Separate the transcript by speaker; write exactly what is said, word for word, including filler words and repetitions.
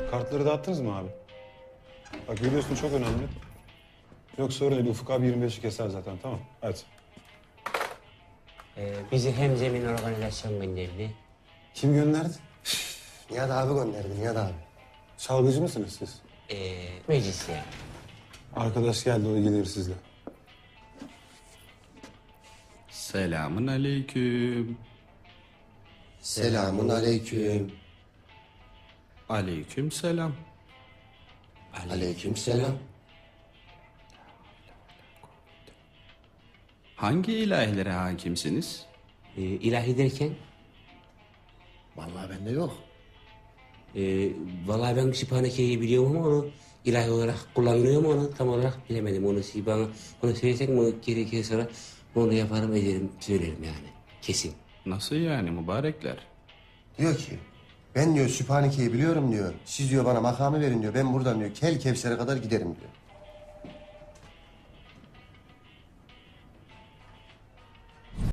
Speaker 1: Kartları dağıttınız mı abi? Bak biliyorsun çok önemli. Yoksa öyle Ufuk abi yirmi beşi keser zaten, tamam. Hadi.
Speaker 2: Ee, bizi hem zemin organizasyon gönderdi.
Speaker 1: Kim gönderdi?
Speaker 3: Nihat abi gönderdi, Nihat abi.
Speaker 1: Çalgıcı mısınız siz?
Speaker 2: Ee, meclis yani.
Speaker 1: Arkadaş geldi, o ilgilenir sizle.
Speaker 4: Selamun aleyküm.
Speaker 3: Selamun aleyküm.
Speaker 4: Aleyküm selam.
Speaker 3: Aleyküm selam.
Speaker 4: Hangi ilahlere hakimsiniz?
Speaker 2: Ee, ilahi derken,
Speaker 3: Vallahi bende yok.
Speaker 2: e, vallahi ben Sübhaneke'yi biliyorum ama onu ilahi olarak kullanılıyor mu onu tam olarak bilemedim. Onu siz bana onu söylesek mi gerekirse sonra onu yaparım ederim söylerim yani kesin.
Speaker 4: Nasıl yani mübarekler?
Speaker 3: Diyor ki, ben diyor Sübhaneke'yi biliyorum diyor. Siz diyor bana makamı verin diyor. Ben buradan diyor Kel Kevser'e kadar giderim diyor.